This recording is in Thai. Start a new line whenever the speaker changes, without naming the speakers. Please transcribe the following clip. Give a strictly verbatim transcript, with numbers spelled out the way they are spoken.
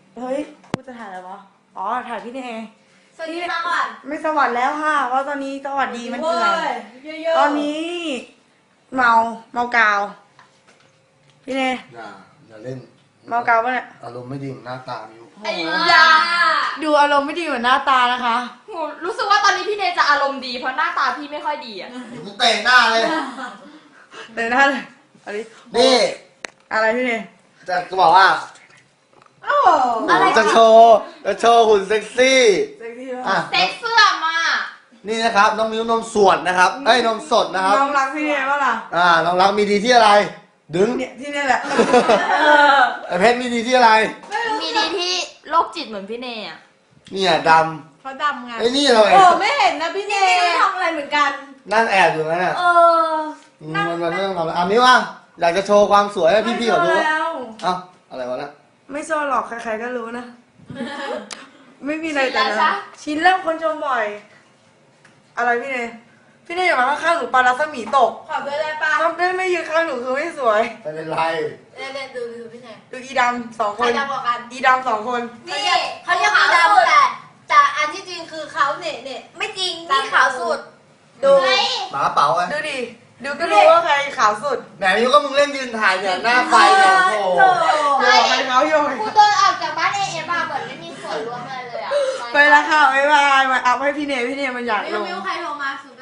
เฮ้ยกูจะถ่ายอะไรวะอ๋อถ่ายพี่เนย
สวัสดีมาก่อน
ไม่สวัสดีแล้วค่ะเพราะตอนนี้สวัสดีมันเกลื่อน
เยอะๆ
ตอนนี้ เมาเมากาว พี่เนย
อย่าอย่าเล่น
เมากาวปะเนี่ย
อารมณ์ไม่ดีหน้าตามิว
ไอ้
ยาย
า
ดูอารมณ์ไม่ดีเหมือนหน้าตานะคะ
หนูรู้สึกว่าตอนนี้พี่เนยจะอารมณ์ดีเพราะหน้าตาพี่ไม่ค่อยดีอ่ะ
เดี๋ยวกูเตะหน้าเลย
เดินหน้าเลยอันนี้
นี่
อะไรพี่เนย
จะจะบอกว่า
อะไร
จะโชว์จะโชว์หุ่นเซ็กซี่
เซ็กซี่มาก
อ่ะ
เซ็กเสื้อมา
นี่นะครับน้องมิวนมสวดนะครับเอ้ยนมสดนะครับ
น้องรักพี่เนยป่ะล่ะ
อ่าน้องรักมีดีที่อะไร ดึง
เนี่ยที่นี่แหละ
ไอเพชรมีดีที่อะไร
มีดีที่โรคจิตเหมือนพี่เนยอ่ะ
เนี่ยด
เขาดำไง
ำไอ้นี่เราไง
โอ้ไม่เห็นนะพี่เนย
ไม่ทำอะไรเหมือนกัน
นั่งแอบอยู่นั่นน่ะ
เออ
มมันมันไม่ต้องทำอะไรอ่ะมิวอ่ะอยากจะโชว์ความสวยให้พี่ๆเขาดู
ไม่
ว่า
แล้ว
เอ้าอะไรวะน่ะ
ไม่โซหรอกใครๆก็รู้นะ ไม่มีอะไร
ชินแล้ว
แต่
ใช่
นะชินแล้วคนชมบ่อย อะไรพี่เนยพี่เนยอย่ามาข้างๆหนูปลารัศมีตก
ขอด้วยได้ปะ
ถ้าได้ไม่ยืนข้างหนูคือไม่สวย
ไม่เป็นไร
เล่นเล่นดูดูพี่เนย
ดูอีดำสองค
ใคร
น
ดำกว่ากัน
อีดำสองคน
นี่เขาเรียกว่าดำแต่แต่อันที่จริงคือเขาเนี่ยเนี่ยไม่จริงนี่ขาวสุด
ดู
หมากระเป๋าไง
ดูดิดูก็รู้ว่าใครขาวสุด
แหมมิวก็มึงเล่นยืนถ่ายเนี่ยหน้าไฟเนี่ยโอ้โห
โยกใครเขาโยก
กูโดนออกจากบ้านเอเอมาเหมือนไม่มีส่วนร่วมอะไรเลยอ่ะ
ไปแล้วค่ะบ๊ายบายมาอัพให้พี่เนยพี่เนยมันอยากล
มิว
ง
มิวใครโทรมาสุด